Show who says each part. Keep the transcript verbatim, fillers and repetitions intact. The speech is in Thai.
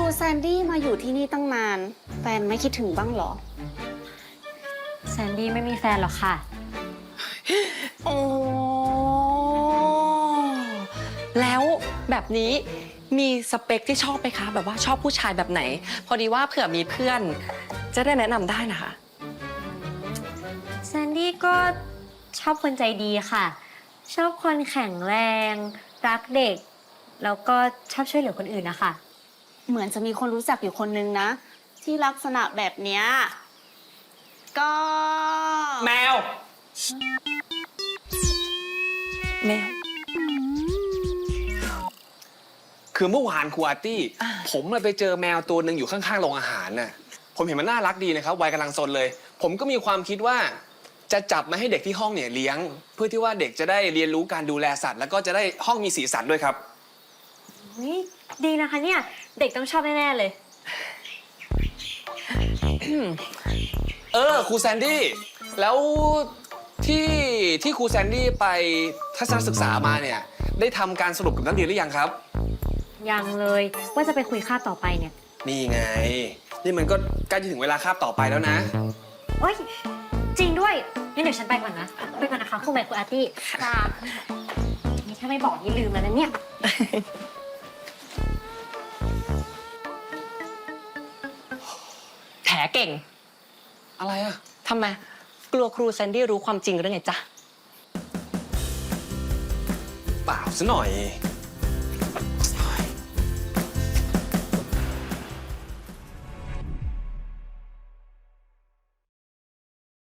Speaker 1: แซนดี้มาอยู่ที่นี่ตั้งนานแฟนไม่คิดถึงบ้างเหรอ
Speaker 2: แซนดี้ไม่มีแฟนหรอกค่ะ
Speaker 3: โอ้แล้วแบบนี้มีสเปคที่ชอบไหมคะแบบว่าชอบผู้ชายแบบไหนพอดีว่าเผื่อมีเพื่อนจะได้แนะนำได้นะคะ
Speaker 2: แซนดี้ก็ชอบคนใจดีค่ะ ชอบคนแข็งแรงรักเด็กแล้วก็ชอบช่วยเหลือคนอื่นนะคะ
Speaker 1: เหมือนจะมีคนรู้จักอยู่คนนึงนะ ที่ลักษณะแบบเนี้ยก็
Speaker 3: แมวแมว
Speaker 4: คือเมื่อวานครูอาร์ตี้ผมไปเจอแมวตัวหนึ่งอยู่ข้างๆโรงอาหารน่ะผมเห็นมันน่ารักดีนะครับวัยกำลังซนเลย ผมก็มีความคิดว่าจะจับมาให้เด็กที่ห้องเนี่ยเลี้ยง เพื่อที่ว่าเด็กจะได้เรียนรู้การดูแลสัตว์แล้วก็จะได้ห้องมีสีสันด้วยครับ
Speaker 2: นี่ดีนะคะเนี่ยเด็กต้องชอบแน่ๆเลย
Speaker 4: เออครูแซนดี้แล้วที่ที่ครูแซนดี้ไปทัศนศึกษามาเนี่ยได้ทำการสรุปกับนักเรียนหรือยังครับ
Speaker 2: ยังเลยว่าจะไปคุยคาบต่อไปเนี่ย
Speaker 4: นี่ไงนี่มันก็ใกล้จะถึงเวลาคาบต่อไปแล้วนะ
Speaker 2: โอ๊ยจริงด้วยงั้นเดี๋ยวฉันไปก่อนนะไปก่อนนะคะคุณแม่คุณอาร์ตี้ค่ะนี่ถ้าไม่บอกนี่ลืมแล้วนะเนี่ย
Speaker 3: แถเก่ง
Speaker 4: อะไรอะ
Speaker 3: ทำไมกลัวครูแซนดี้รู้ความจริงหรือไงจ๊ะ
Speaker 4: เปล่าซะหน่อย